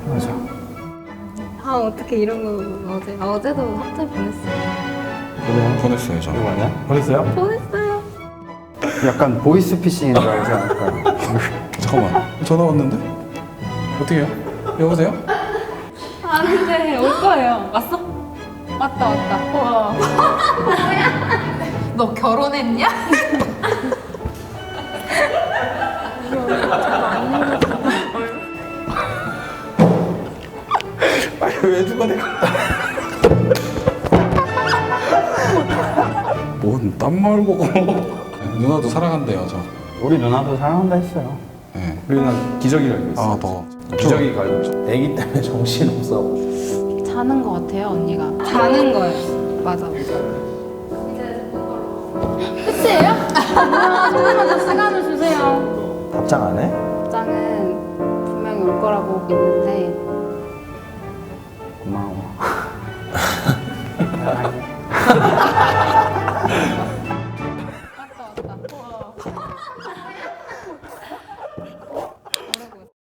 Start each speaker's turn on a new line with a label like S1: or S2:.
S1: 맞아.
S2: 아 어떻게 이런 거 어제도 합체 보냈어요.
S1: 그래요?
S3: 보냈어요 저.
S1: 이거 아니야? 보냈어요?
S2: 보냈어요.
S1: 약간 보이스피싱인 줄 알지 않을까?
S3: 잠깐만 전화 왔는데? 어떻게 해요? 여보세요?
S2: 아닌데 올 거예요. 왔어? 왔다. 와.
S4: 너 결혼했냐?
S3: 아니 왜 누가 내가 뭔땀 말고 누나도 사랑한대요 저.
S1: 우리 누나도 사랑한다 했어요.
S3: 네.
S5: 우리 누나 기저귀 갈고 있어.
S3: 더
S5: 기저귀 갈고 있어. 애기 때문에 정신 없어.
S4: 자는 거 같아요 언니가.
S2: 자는 거예요. 맞아.
S4: 끝이에요? 아, 조금만 더 시간을 주세요.
S5: 답장 안 해?
S4: 답장은 분명히 올 거라고 믿는데
S1: 고마워.